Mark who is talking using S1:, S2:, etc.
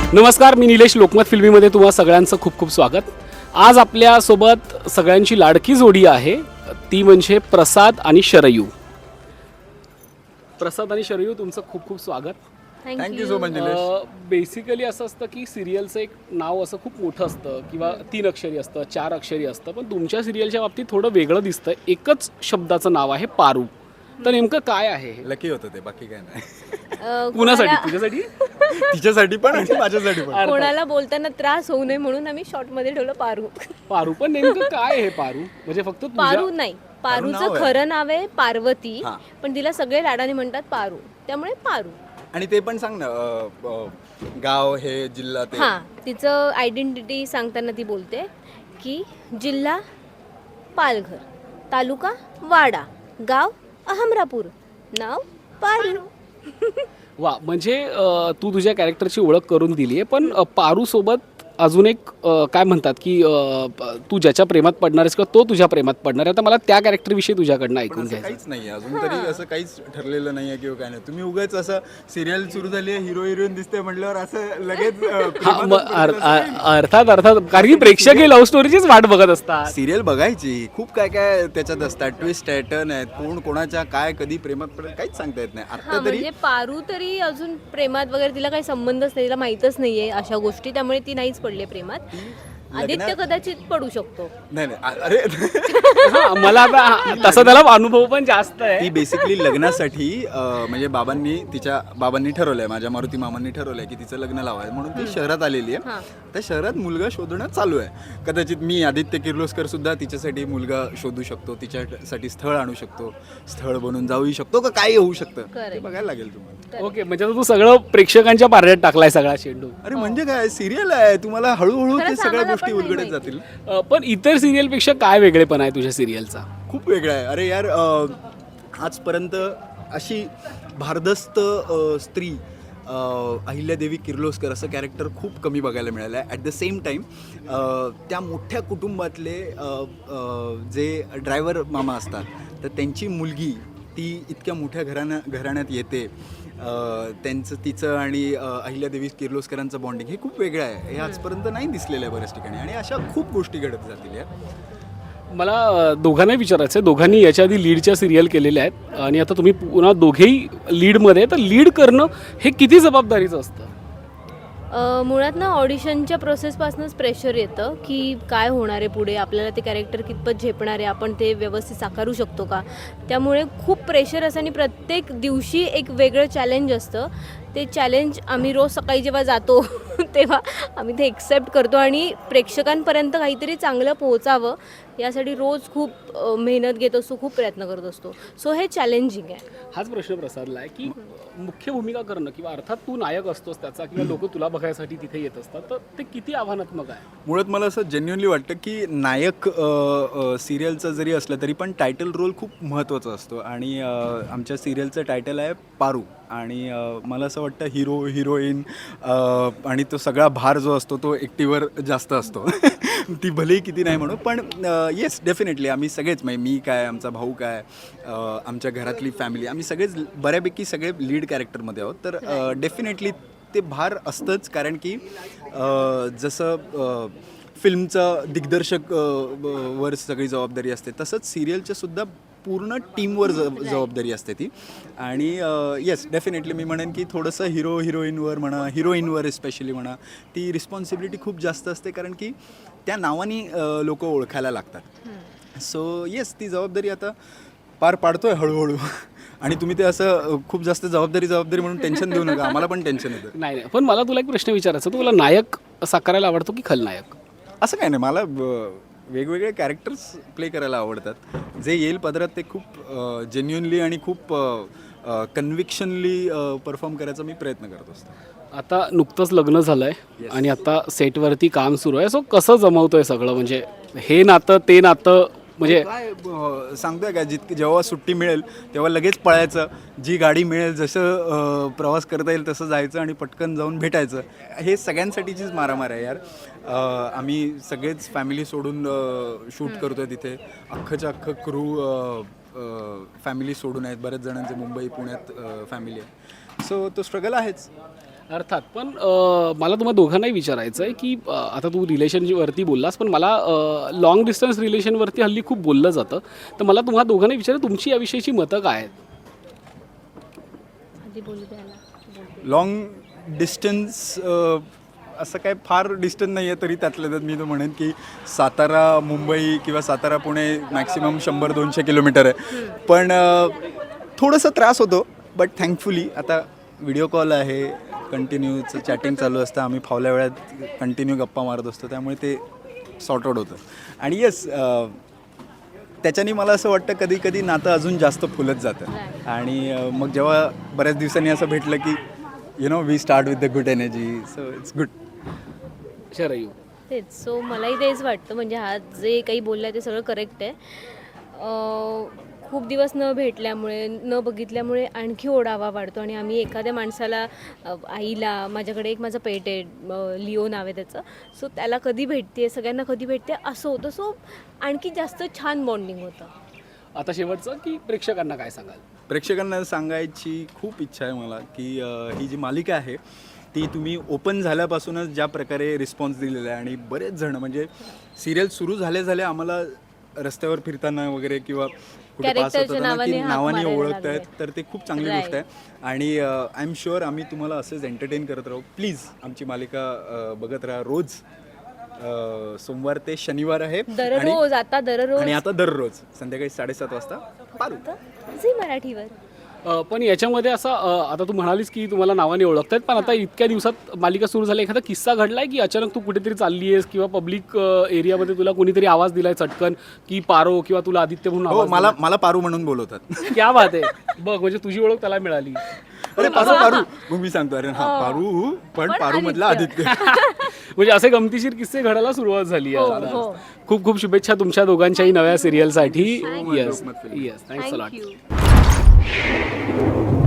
S1: नमस्कार, मी निलेश. लोकमत फिल्मीमध्ये तुम्हा सगळ्यांचं खूप खूप स्वागत. आज आपल्यासोबत सगळ्यांची लाडकी जोडी आहे, ती म्हणजे प्रसाद आणि शरयू. प्रसाद आणि शरयू, तुमचं खूप खूप स्वागत.
S2: Thank you so much Nilesh.
S1: Basically असं असतं की सिरियलचं एक नाव असं खूप मोठं असतं किंवा 3 अक्षरी असतं, 4 अक्षरी असतं, पण तुमच्या सिरियलच्या बाबतीत थोडं वेगळं दिसतं. एकच शब्दाचं नाव आहे पारू. तर नेमकं काय आहे हे?
S2: लकी होतं ते, बाकी काय नाही.
S1: कुणासाठी? तुझ्यासाठी?
S2: तिच्यासाठी पण आणि माझ्यासाठी पण.
S3: कोणाला बोलताना त्रास होऊ नये म्हणून आम्ही शॉर्ट मध्ये ठेवलं पारू.
S1: पारू. पण नेमकं काय आहे पारू? म्हणजे फक्त
S3: पारू नाही, पारूचं
S2: नाव आहे.
S3: खरं नाव आहे पार्वती,
S2: हां.
S3: पण तिला सगळे लाडाने म्हणतात पारू, त्यामुळे पारू.
S2: आणि ते पण सांग ना, गाव हे जिल्हा ते.
S3: हा, तिचं आयडेंटिटी सांगताना ती बोलते की जिल्हा पालघर, तालुका वाडा, गाव अहमरापूर, नाव पारू.
S1: वा, म्हणजे तू तुझ्या कॅरेक्टरची ओळख करून दिली आहे, पण पारू सोबत अजून एक काय म्हणतात की तू ज्याच्या प्रेमात पडणार आहेस किंवा तो तुझ्या प्रेमात पडणार आहे. आता मला त्या कॅरेक्टरविषयी तुझ्याकडनं
S2: पण
S1: ऐकून
S2: असं
S1: घ्यायचं.
S2: काहीच नाही अजून तरी, असं काहीच ठरलेलं नाहीये किंवा काय नाही. तुम्ही उगाच असं सिरियल सुरू झाली आहे, हिरो हिरोईन दिसते म्हटल्यावर असं लगेच
S1: अर्थात कारण की प्रेक्षक हे लव्ह स्टोरीचीच वाट बघत असतात.
S2: सिरियल बघायची, खूप काय काय त्याच्यात असतात, ट्विस्ट टर्न आहेत, कोण कोणाच्या काय कधी प्रेमात पडेल काहीच सांगता येत नाही.
S3: हा,
S2: आता तरी
S3: म्हणजे पारू तरी अजून प्रेमात वगैरे तिला काही संबंधच नाही, तिला माहीतच नाहीये अशा गोष्टी, त्यामुळे ती नाहीच पडली प्रेमात. आदित्य कदाचित पडू शकतो.
S2: नाही अरे
S1: हा, मला आता तसा त्याला अनुभव पण जास्त आहे.
S2: ती बेसिकली लग्नासाठी म्हणजे तिच्या बाबांनी ठरवलंय, माझ्या मारुती मामांनी ठरवलंय की तिचं लग्न लावायचं म्हणून ती शहरात आलेली आहे.
S3: हां.
S2: त्या शहरात मुलगा शोधणं चालू आहे. कदाचित मी आदित्य किर्लोस्कर सुद्धा तिच्यासाठी मुलगा शोधू शकतो, तिच्यासाठी स्थळ आणू शकतो, स्थळ बनून जाऊही शकतो, का काही होऊ शकतं
S3: Correct.
S2: ते बघायला लागेल तुम्हाला.
S1: ओके, म्हणजे आता तू सगळं प्रेक्षकांच्या पारड्यात टाकलाय सगळा चेंडू.
S2: अरे म्हणजे काय, सिरियल आहे, तुम्हाला हळूहळू ते
S3: खरंच
S2: सगळ्या
S3: आम्हाला
S2: गोष्टी
S3: पण नाही
S2: उलगडत
S3: माहिती.
S2: जातील.
S1: पण इतर सिरियलपेक्षा काय वेगळेपण आहे तुझ्या सिरियलचा?
S2: खूप वेगळा आहे. अरे यार, आजपर्यंत अशी भारदस्त स्त्री अहिल्यादेवी किर्लोस्कर असं कॅरेक्टर खूप कमी बघायला मिळालं आहे. ॲट द सेम टाईम त्या मोठ्या कुटुंबातले जे ड्रायव्हर मामा असतात, तर त्यांची मुलगी ती इतक्या मोठ्या घराण्यात येते. तिचं आणि अहिल्यादेवी किर्लोस्करांचं बॉन्डिंग हे खूप वेगळं आहे. हे आजपर्यंत नाही दिसलेलं आहे बऱ्याच ठिकाणी, आणि अशा खूप गोष्टी घडत जातील यार.
S1: मला दोघांनाही विचारायचं आहे. दोघांनी याच्या आधी लीडच्या सिरियल केलेल्या आहेत आणि आता तुम्ही पुन्हा दोघेही लीडमध्ये, तर लीड करणं हे किती जबाबदारीचं असतं?
S3: मुळात ना ऑडिशनच्या प्रोसेसपासूनच प्रेशर येतं की काय होणार आहे पुढे, आपल्याला ते कॅरेक्टर कितपत झेपणार आहे, आपण ते व्यवस्थित साकारू शकतो का. त्यामुळे खूप प्रेशर असतं आणि प्रत्येक दिवशी एक वेगळं चॅलेंज असतं. ते चॅलेंज आम्ही रोज सकाळी जेव्हा जातो तेव्हा आम्ही ते एक्सेप्ट करतो आणि प्रेक्षकांपर्यंत काहीतरी चांगलं पोहोचावं यासाठी रोज खूप मेहनत घेत असतो, खूप प्रयत्न करत असतो. सो हे चॅलेंजिंग आहे.
S1: हाच प्रश्न प्रसादला आहे की मुख्य भूमिका करणं किंवा अर्थात तू नायक असतोस त्याचा, किंवा लोक तुला बघायसाठी तिथे येत असतात, तर ते किती आव्हानात्मक आहे?
S2: मुळात मला असं जेन्युअनली वाटतं की नायक सिरियलचं जरी असलं तरी पण टायटल रोल खूप महत्त्वाचा असतो. आणि आमच्या सिरियलचं टायटल आहे पारू. आणि मला असं वाटतं हिरो हिरोईन आणि तो सगळा भार जो असतो तो एकटीवर जास्त असतो. ती भलेही किती नाही म्हणू, पण येस डेफिनेटली आम्ही सगळेच, म्हणजे मी काय, आमचा भाऊ काय, आमच्या घरातली फॅमिली, आम्ही सगळेच बऱ्यापैकी सगळे लीड कॅरेक्टरमध्ये आहोत. तर डेफिनेटली ते भार असतंच, कारण की जसं फिल्मचं दिग्दर्शक वर सगळी जबाबदारी असते, तसंच सिरियलच्या सुद्धा पूर्ण टीमवर जबाबदारी असते ती. आणि येस डेफिनेटली मी म्हणेन की थोडंसं हिरोईनवर म्हणा, हिरोईनवर स्पेशली म्हणा, ती रिस्पॉन्सिबिलिटी खूप जास्त असते, कारण की त्या नावाने लोक ओळखायला लागतात. सो येस, ती जबाबदारी आता पार पाडतोय हळूहळू. आणि तुम्ही ते असं खूप जास्त जबाबदारी म्हणून टेन्शन देऊ नका, आम्हाला पण टेन्शन येतं.
S1: नाही, पण मला तुला एक प्रश्न विचारायचा, तुला नायक साकारायला आवडतो की खलनायक?
S2: असं काय नाही, मला वेगवेगळे कॅरेक्टर्स प्ले करायला आवडतात. जे येईल पदरात ते खूप जेन्युअनली आणि खूप कन्व्हिक्शनली परफॉर्म करायचा मी प्रयत्न करत असतो.
S1: आता नुकतंच लग्न झालं आहे आणि आता सेटवरती काम सुरू आहे. सो कसं जमवतोय सगळं, म्हणजे हे नातं ते नातं, म्हणजे
S2: काय सांगतोय का, जेव्हा सुट्टी मिळेल तेव्हा लगेच पळायचं, जी गाडी मिळेल, जसं प्रवास करता येईल तसं जायचं आणि पटकन जाऊन भेटायचं. हे सगळ्यांसाठीचीच मारामार आहे यार. आम्ही सगळेच फॅमिली सोडून शूट करतोय तिथे. अख्खंच्या अख्खं क्रू फॅमिली सोडून आहेत. बऱ्याच जणांचे मुंबई पुण्यात फॅमिली आहे. सो तो स्ट्रगल आहेच.
S1: अर्थात पण मला तुम्हाला दोघांनाही विचारायचं आहे की आता तू रिलेशनवरती बोललास पण मला लॉंग डिस्टन्स रिलेशनवरती हल्ली खूप बोललं जातं तर मला तुम्हाला दोघांनाही विचारायचं तुमची याविषयीची मतं काय आहेत?
S3: आधी बोलू द्यायला
S2: लॉंग डिस्टन्स असं काय फार डिस्टन्स नाही आहे, तरी त्यातल्या त्यात मी तर म्हणेन की सातारा मुंबई किंवा सातारा पुणे मॅक्सिमम 100-200 किलोमीटर आहे. पण थोडंसं त्रास होतो, बट थँकफुली आता व्हिडिओ कॉल आहे, कंटिन्यूचं चॅटिंग चालू असतं, आम्ही फावल्या वेळात कंटिन्यू गप्पा मारत असतो, त्यामुळे ते सॉर्ट आउट होतं. आणि येस, त्याच्याने मला असं वाटतं कधी कधी नातं अजून जास्त फुलत जातं. आणि मग जेव्हा बऱ्याच दिवसांनी असं भेटलं की we start with the good energy, so it's good.
S1: Sharayu
S3: तेच. सो मलाही तेच वाटतं, म्हणजे हा जे काही बोलला ते सगळं करेक्ट आहे. खूप दिवस न भेटल्यामुळे न बघितल्यामुळे आणखी ओढावा वाढतो आणि आम्ही एखाद्या माणसाला आईला, माझ्याकडे एक माझं पेट आहे, लिओ नाव आहे त्याचं, सो त्याला कधी भेटते, सगळ्यांना कधी भेटते असं होतं. सो आणखी जास्त छान बॉन्डिंग होतं.
S1: आता शेवटचं की प्रेक्षकांना काय सांगाल?
S2: प्रेक्षकांना सांगायची खूप इच्छा आहे मला की ही जी मालिका आहे ती तुम्ही ओपन झाल्यापासूनच ज्या प्रकारे रिस्पॉन्स दिलेला आहे, आणि बरेच जण म्हणजे सिरियल सुरू झाले आम्हाला रस्त्यावर फिरताना वगैरे किंवा कुठे पास होताना की नावाने ओळखत आहेत, तर ते खूप चांगली गोष्ट आहे. आणि आय एम शुअर आम्ही तुम्हाला असंच एंटरटेन करत राहू. प्लीज आमची मालिका बघत राहा. रोज सोमवार ते शनिवार आहे,
S3: दररोज
S2: आणि आता दररोज संध्याकाळी 7:30 वाजता पारू
S3: झी मराठीवर.
S1: पण याच्यामध्ये असं आता तू म्हणालीस की तुम्हाला नावाने ओळखतायत, पण आता इतक्या दिवसात मालिका सुरू झाली, एखादा किस्सा घडलाय की अचानक तू कुठेतरी चालली आहेस किंवा पब्लिक एरियामध्ये तुला कोणीतरी आवाज दिलाय चटकन की पारो किंवा तुला आदित्य म्हणून
S2: हो,
S1: आवाज
S2: मला पारू म्हणून बोलवतात.
S1: दिलाय? क्या बात आहे. बघ, म्हणजे तुझी ओळख त्याला मिळाली.
S2: अरे पारू मग मी सांगतो, अरे हा पारू, पण पारू मधला आदित्य.
S1: म्हणजे असे गमतीशीर किस्से घडायला सुरुवात झाली आहे.
S3: हो.
S1: खूप खूप शुभेच्छा तुमच्या दोघांच्याही नव्या सिरियलसाठी.
S3: Thank you.
S1: Yes yes, thanks a lot.
S3: Thank you.